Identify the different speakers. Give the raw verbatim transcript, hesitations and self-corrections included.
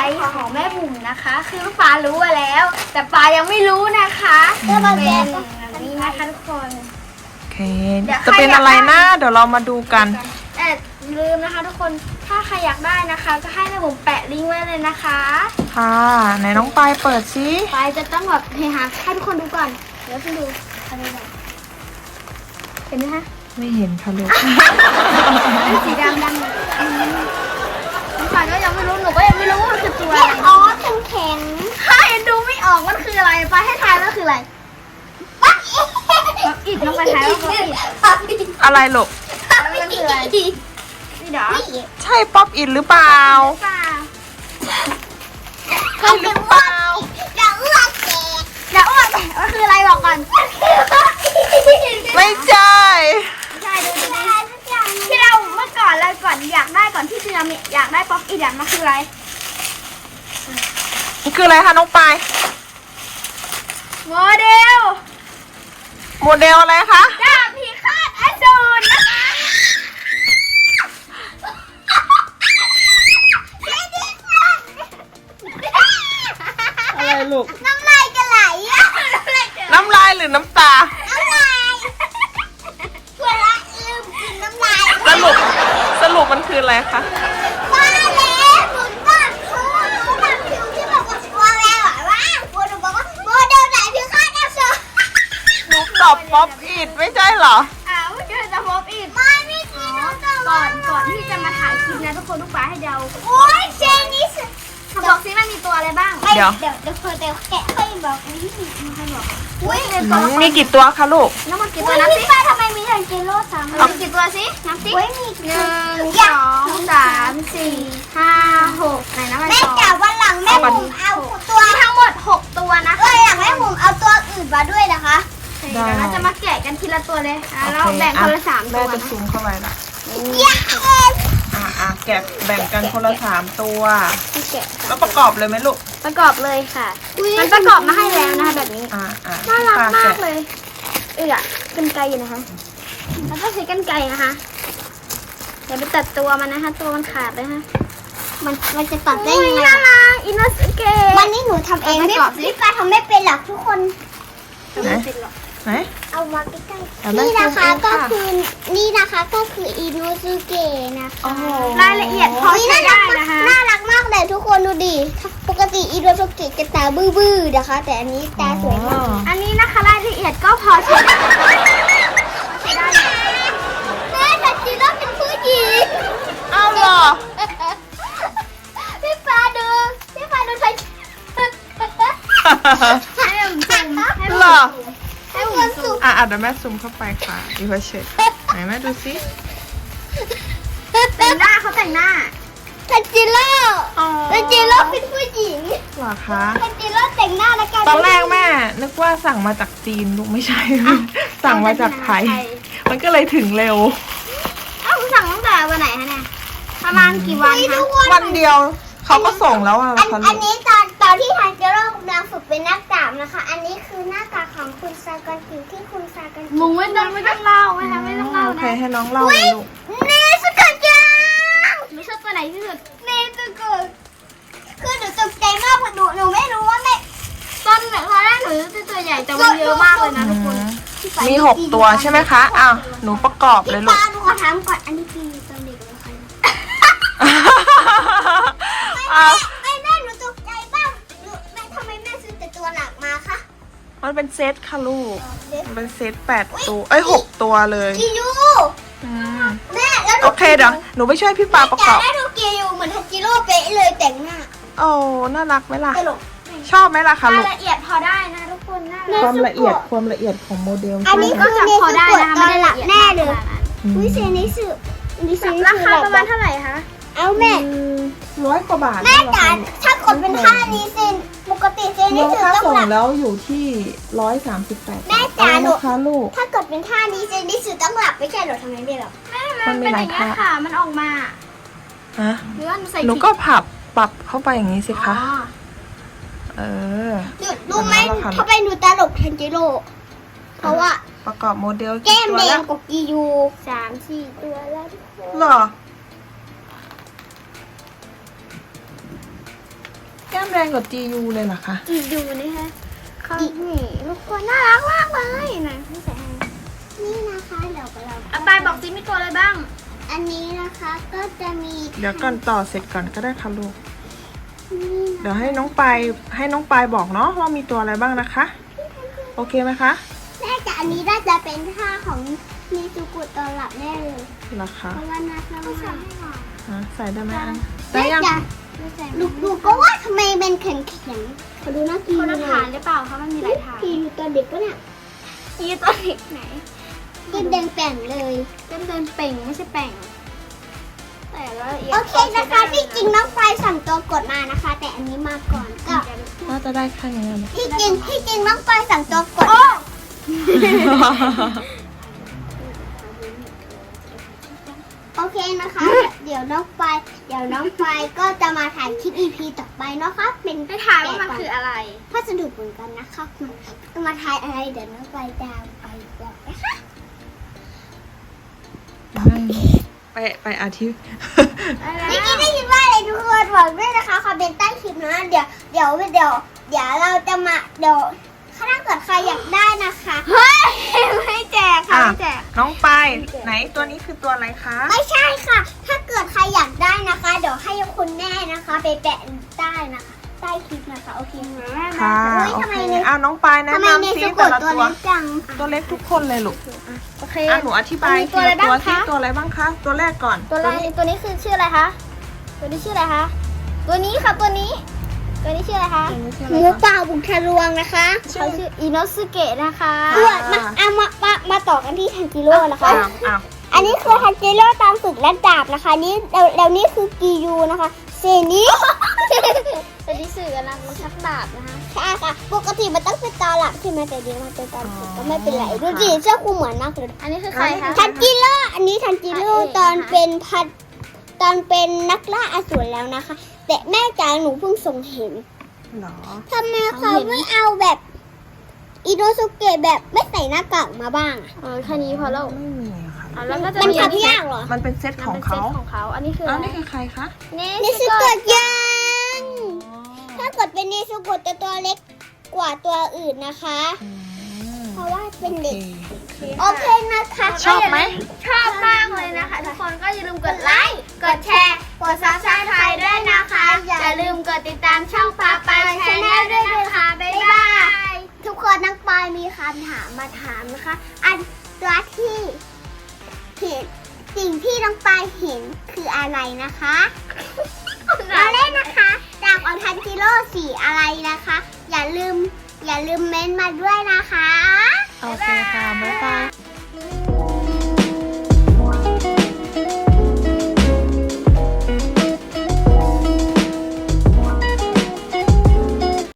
Speaker 1: ของแม่บุ๋มนะคะ คือปารู้แล้ว แต่ปายังไม่รู้นะคะเป็นแบบนี้นะคะทุกคน
Speaker 2: โอเคจะเป็นอะไรนะเดี๋ยวเรามาดูกัน
Speaker 1: แต่ลืมนะคะทุกคนถ้าใครอยากได้นะคะก็ให้แม่บุ๋มแปะลิงก์ไว้เลยนะคะ
Speaker 2: ค่ะไหนน้องปายเปิดซิ
Speaker 1: ปายจะต้องแบบเฮฮาให้ทุกคนดูก่อนเดี๋ยวคุณดูทำยังไงเห็นไหมคะ
Speaker 2: ไม่เห็นค่ะลูก
Speaker 1: เป็นสีดำดำเลยน้องปายก็ยังไม่รู้หนูก็ยังไม่รู้ว่ามันคือตัวอะไรอ๋อแข็งแข็งถ้ายังดูไม่ออกมันคืออะไรปายให้ทายว่าคืออะไรป๊อปอิดน้องปายทายว่าป๊อปอิด
Speaker 2: อะไรลูก
Speaker 1: แล้วมันคืออะไรนี่เดี๋ยว
Speaker 2: ใช่ป๊อปอินหรือเปล่า
Speaker 1: เปล่า
Speaker 2: ใช่หรือเปล่า
Speaker 1: เดี๋ยวอ้วกแตกเดี๋ยวอ้วกแตกมันคืออะไรบอกก่อน
Speaker 2: ไม่ใช่
Speaker 1: ใช่ดูดีๆที่เราเมื่อก่อนเราก่อนอยากได้ก่อนที่จะมีอยากได้ป๊อปอีดมันคืออะไร
Speaker 2: มันคืออะไรคะน้องปาย
Speaker 1: โมเดล
Speaker 2: โมเดลอะไรคะ
Speaker 1: ดาบพิฆาตอสูรนะคะ
Speaker 2: อะไรลูก
Speaker 1: น้ำลายจะไหลอะน้ำลายจะไหล
Speaker 2: น้ำลายหรือน้ำตา
Speaker 1: น้ำลายเวลาลืมกินน้ำลาย
Speaker 2: สรุปสรุปมันคืออะไรคะ
Speaker 1: มาแล้วหนุนก้อนคูหนูทำผิวที่บอกว่าตัวแววอะว่าตัวหนูบอกว่าโมเดลไหนพิฆาตอสูร
Speaker 2: หนูตอบป๊อปอินไม่ใช่เหรอ
Speaker 1: อ้าวเจอจะพบอีกไม่ไม่กินก่อนก่อนที่จะมาถ่ายคลิปนะทุกคนทุกฝ่ายให้เดาโอ้ยเชนนี่สิบอกสิมันมีตัวอะไรบ้าง
Speaker 2: เดี๋ยว
Speaker 1: เดี๋ยวเดี๋ยวเพื่อเดี๋ยวแกะให้บอกวิธีมันให้บอกอุ้ยเป็นตัว
Speaker 2: มีกี่ตัวคะลูก
Speaker 1: น้ำมันกี่ตัวนับสิป้าทำไมมีทันจิโร่สามมีกี่ตัวสินับสิหนึ่งสองสามสี่ห้าหกไหนนะมันแม่จ๋าวันหลังแม่บุ๋มเอาตัวทั้งหมดหกตัวนะคะวันหลังแม่บุ๋มเอาตัวอื่นมาด้วยนะคะเดี๋ยวเราจะมาแกะกันทีละตัวเลยอ่ะเราแบ่งคนละสามตั
Speaker 2: แม่
Speaker 1: ว
Speaker 2: จะ
Speaker 1: นะ
Speaker 2: ซูมเข้าไปละ
Speaker 1: เย้
Speaker 2: อ่ะอ่ะแกะแบ่งกันคนละสามตัว
Speaker 1: ที่แกะ
Speaker 2: แล้วประกอบเลยไหมลูก
Speaker 1: ประกอบเลยค่ะ มันประกอบมาให้แล้วนะคะแบบนี้
Speaker 2: อ่าอ่า
Speaker 1: น่ารัก
Speaker 2: ป้
Speaker 1: มาก
Speaker 2: แะ
Speaker 1: เลย เออกันไกลอยู่นะคะแล้วก็ใช้กันไกลนะคะอย่าไปตัดตัวมันนะคะ ตัวมันขาดเลยฮะมันมันจะตัดได้ยังไงน่ารักอินโนสเกะวันนี้หนูทำเองพี่พี่ปาทำไม่เป็นหรอกทุกคน
Speaker 2: ไหนไหน
Speaker 1: เอามาใกล้
Speaker 2: เดี๋ยว
Speaker 1: ๆ
Speaker 2: แม่
Speaker 1: นี่นะคะ
Speaker 2: ซูมเอง
Speaker 1: ก็
Speaker 2: ค่ะ
Speaker 1: คือนี่นะคะก็คืออินโนสเกะนะคะ
Speaker 2: โอ้โห
Speaker 1: รายละเอียดพอใช้ได้นะคะน่ารักมากเลยทุกคนดูดิปกติอินโนสเกะจะตาบื้อๆนะคะ แต่อันนี้ตาสวยมากอันนี้นะคะรายละเอียดก็พอใช้ได้ใช้ได้แม่แต่จีโร่เป็นผู้หญิง
Speaker 2: เอาเหรอ
Speaker 1: พี่ฟ้าดูพี่ฟ้าดูใช้ให้ผมซูมให้ผม
Speaker 2: เหรอ
Speaker 1: ให้ผมซูม
Speaker 2: อ่ะอ่ะเดี๋ยวแม่ซูมเข้าไปค่ะอีพาเชตไหนแม่ดูซิ
Speaker 1: แต่งหน้าเขาแต่งหน้าแต่จิโร่
Speaker 2: อ๋อ
Speaker 1: แต่จิโร่เป็นผู้หญิง
Speaker 2: เหรอคะ
Speaker 1: แต่จิโร่แต่งหน้าแล้วกัน
Speaker 2: ตอนแรกแม่นึกว่าสั่งมาจากจีนลูกไม่ใช่ สั่งมาจากไทย มันก็เลยถึงเร็ว
Speaker 1: เอ้าสั่งตั้งแต่วันไหนคะเนี่ยประมาณกี่วันคะ
Speaker 2: วันเดียวเขาก็ส่งแล้วอะ
Speaker 1: อัน
Speaker 2: ค่ะ
Speaker 1: อั
Speaker 2: ลู
Speaker 1: น
Speaker 2: ก
Speaker 1: นี้ตอนตอนที่ทางจิโร่กำลังฝึกเป็นนักดาบนะคะ อันนี้คือหน้ากากของคุณซากอนกิที่คุณซากอนกิมึงไม่ต้องไม่ต้องเล่าไม่ต้องไม่ต้องเล่า
Speaker 2: โอ
Speaker 1: นะ
Speaker 2: เคให้น้องเล่าเลยลูก
Speaker 1: เนสกัดจังหนูชอบตัวไหนที่สุดเนสกัดคือหนูตกใจมากเพราะหนูหนูไม่รู้ว่าแม่ตอนตอนแรกหนูจะตัวใหญ่แต่มันเยอะมากเลยนะทุกคน
Speaker 2: มีหกตัวใช่ไหมคะอ้าวหนูประกอบเลยลูก
Speaker 1: ป้าหนูขอถามก่อนอันนี้คือตอนเด็กหรือใคร
Speaker 2: อ้าว
Speaker 1: ไม่แม่หนูตกใจบ้างหนูแม่ทำไมแม่ซื้อแต่ตัวหนักมาคะ
Speaker 2: มันเป็นเซตค่ะลูกมันเป็นเซตแปดตัวเอ้ยหกตัวเลย
Speaker 1: กิยู
Speaker 2: อืม
Speaker 1: แม่แล้วหนู
Speaker 2: โอเคเดี๋ยวหนูไปช่วยพี่ปาประกอบ
Speaker 1: แต่ได้ดูกิยูเหมือนทันจิโร่เป๊ะเลยแต่งหน้า
Speaker 2: โอ้น่ารักไหมล่ะ
Speaker 1: ตลก
Speaker 2: ชอบไหมล่ะคะ
Speaker 1: รา
Speaker 2: ลู
Speaker 1: ย
Speaker 2: ก
Speaker 1: ละเอียดพอได้นะทุกคนน่ารัก
Speaker 2: ความละเอียดความละเอียดของโมเดล
Speaker 1: อันนี้คือเนสพอได้นะคะไม่ได้ละเอียดแน่เลยอุ้ยเซนิสึนิสึราคาประมาณเท่าไหร่คะเอาแม่
Speaker 2: ร้อยกว่าบาท
Speaker 1: แม่จ๋าถ้ากดเป็นท่านี้เซนปกติเซนิ
Speaker 2: น้อง
Speaker 1: สึ
Speaker 2: ค่า
Speaker 1: ต้อง
Speaker 2: ส่ง
Speaker 1: หลับ
Speaker 2: แล้วอยู่ที่ร้อยสามสิบแปด
Speaker 1: แม่จ๋าหนู
Speaker 2: นะคะลูก
Speaker 1: ถ้ากดเป็นท่านี้เซนิสึต้องหลับไม่ใช่เหรอทำไมไม่หลับแม่
Speaker 2: มันมีหลายท่า
Speaker 1: ค่ะมันออกมา
Speaker 2: ฮะ
Speaker 1: หรือว่าหนูใส่
Speaker 2: หนูก็ผับปรับเข้าไปอย่างนี้สิคะเออ
Speaker 1: รู้ไหมทำไมหนูตลกทันจิโร่เพราะว่า
Speaker 2: ประกอบโมเดล
Speaker 1: แก้ม
Speaker 2: ตัว
Speaker 1: แด
Speaker 2: แล้
Speaker 1: ง
Speaker 2: ว
Speaker 1: กับกิยูสามสี่ตัวแล้ว
Speaker 2: เหรอแดงกับ จี ยู เลยเหรอคะ
Speaker 1: จียูนี่ค่ะเขานี่ทุกคนน่ารักมากเลยนะพี่แสงนี่นะคะเดี๋ยวเราเอาไปบอกซิมีตัวอะไรบ้าง อันนี้นะคะก็จะมี
Speaker 2: เดี๋ยวก่อนต่อเสร็จก่อนก็ได้ค่ะลูก เดี๋ยวให้น้องปายให้น้องปายบอกเนาะว่ามีตัวอะไรบ้างนะคะ โอเคไหมคะ
Speaker 1: แม่จะอันนี้น่าจะเป็นท่าของมีซูกุตอนหลับแน่เลย
Speaker 2: เหรอคะ
Speaker 1: เพราะว่าน่าจะไม่ใส่
Speaker 2: อ่ะใส่ได้ไหมอัน
Speaker 1: แม่
Speaker 2: ได้ยัง
Speaker 1: จะลูกดูก็ว่าทำไมเป็นแข็งแข็งๆเขาดูน่ากินคนละฐานหรือเปล่าคะมันมีหลายฐานพี่อยู่ตอนเด็กปะเนี่ยอยู่ตอนเด็กไหนเต็มแดงแป่งเลยเต็มแดงเป่งไม่ใช่แป่งแต่ละโอเคนะคะที่จริงน้องไฟสั่งตัวกดมานะคะ แต่อันนี้มาก่อนก็
Speaker 2: น่าจะได้แค่นี้นะ
Speaker 1: ที่จริงที่จริงน้องไฟสั่งตัวกดโอเคนะคะ เดี๋ยวน้องไฟเดี๋ยวน้องไฟก็จะมาถ่ายคลิป อี พี ต่อไปเนาะคะเป็นไปถ่ายว่ามันคืออะไรพัสดุเหมือนกันนะคะจะมาถ่ายอะไรเดี๋ยวน้องไฟจะไปบอกนะคะ
Speaker 2: ไปไปอาทิตย์
Speaker 1: เมื่อกี้ได้ยินว่าอะไรทุกคนบอกด้วยนะคะคอมเมนต์ใต้คลิปนะเดี๋ยวเดี๋ยวเดี๋ยวเดี๋ยวเราจะมาเดี๋ยวถ้าเกิดใครอยากได้นะคะเฮ้ยไม่แจกค่ะไม่แจก
Speaker 2: น้องปายไหนตัวนี้คือตัวอะไรคะ
Speaker 1: ไม่ใช่ค่ะ ถ้าเกิดใครอยากได้นะคะ เดี๋ยวให้คุณแม่นะคะ ไปแปะใต้นะคะใต้คลิปนะคะโอเคไหม
Speaker 2: ค่ะ
Speaker 1: อุ๊ย
Speaker 2: โอ
Speaker 1: ทำไม
Speaker 2: เค
Speaker 1: เนี่ย
Speaker 2: อ่ะน้องปายแนะ
Speaker 1: ทำไม
Speaker 2: นำ
Speaker 1: ใน
Speaker 2: ซิ
Speaker 1: สะก
Speaker 2: แต่
Speaker 1: ด
Speaker 2: ละ
Speaker 1: ตัว
Speaker 2: ตัว
Speaker 1: เล็กจัง
Speaker 2: ตัวเล็กทุกคนเลยลูก
Speaker 1: โอเค
Speaker 2: อ่ะหนูอธิบาย
Speaker 1: มีตัวอะไรบ้าง
Speaker 2: ตัวที่
Speaker 1: คะ
Speaker 2: ตัวอะไรบ้างคะตัวแรกก่อน
Speaker 1: ตัวแรกตัวนี้คือชื่ออะไรคะตัวนี้ชื่ออะไรคะตัวนี้ค่ะตัวนี้ ตัวนี้ชื่ออะไรคะ
Speaker 2: ตัวนี้ชื่อ
Speaker 1: ห
Speaker 2: อะไร
Speaker 1: มู
Speaker 2: คะ
Speaker 1: ป่าบุกทะลวงนะคะเขาชื่ออิโนสุเกะนะคะ
Speaker 2: อ่า
Speaker 1: มาเอามามามาต่อกันที่ทันจิโร่นะคะ
Speaker 2: อ้าวอ้าว
Speaker 1: อันนี้คือทันจิโร่ตามฝึกและดาบนะคะนี่แล้วแล้วนี่คือกียูนะคะเซนี้ อันนี้สื่อกำลังชักดาบนะคะใช่ค่ะปกติมันต้องเป็นตอนหลับใช่ไหมแต่เดี๋ยวมันเป็นตอนฝึกก็ไม่เป็นไรดูดิเสื้อคลุมเหมือนมากเลยอันนี้คือใครคะทันจิโร่อันนี้ทันจิโร่ตอนเป็นพัดตอนเป็นนักล่าอสูรแล้วนะคะ แต่แม่จ๋าหนูเพิ่งส่งเห็น
Speaker 2: เหรอ
Speaker 1: ทำไมเขาไม่เอาแบบอิโนสุเกะแบบไม่ใส่หน้ากากมาบ้างอ่ะ
Speaker 3: เออแค่นี้พอแล้ว
Speaker 2: ไม่มีค่ะ
Speaker 3: อ่ะแล้วก็จะ
Speaker 1: มัน
Speaker 3: มีอัน
Speaker 1: ทำ
Speaker 3: นี้
Speaker 1: ยากเหรอ
Speaker 2: มันเป็นเซตของ
Speaker 3: เป็นเซ
Speaker 2: เขา
Speaker 3: ตของเขา อันนี้คือ
Speaker 2: อ้า
Speaker 3: อะ
Speaker 2: ว
Speaker 3: ไร
Speaker 2: นี่คือใครคะ
Speaker 1: นิสุโกะยังถ้าเกิดเป็นนิสุโกะจะตัวเล็กกว่าตัวอื่นนะคะ
Speaker 2: อืม
Speaker 1: เพราะว่าเป็น
Speaker 2: โอ
Speaker 1: เด็ก
Speaker 2: เค
Speaker 1: โอเคนะคะ
Speaker 2: ชอบไหม
Speaker 1: ชอบมากเลยนะคะ ทุกคนก็อย่าลืมกดไลค์ กดแชร์ กดซับสไครต์ด้วยนะคะ อย่าลืมกดติดตามช่องปาปายชาแนลด้วยนะคะ บ๊ายบาย ทุกคนนักปายมีคำถามมาถามนะคะ อันตัวที่เห็นสิ่งที่น้องปายเห็นคืออะไรนะคะเราเล่นนะคะจากออนทันจิโร่สีอะไรนะคะ อย่าลืมอย่าลืมเม้นต์มาด้วยนะคะ
Speaker 2: โอเคค่ะ บ๊ายบาย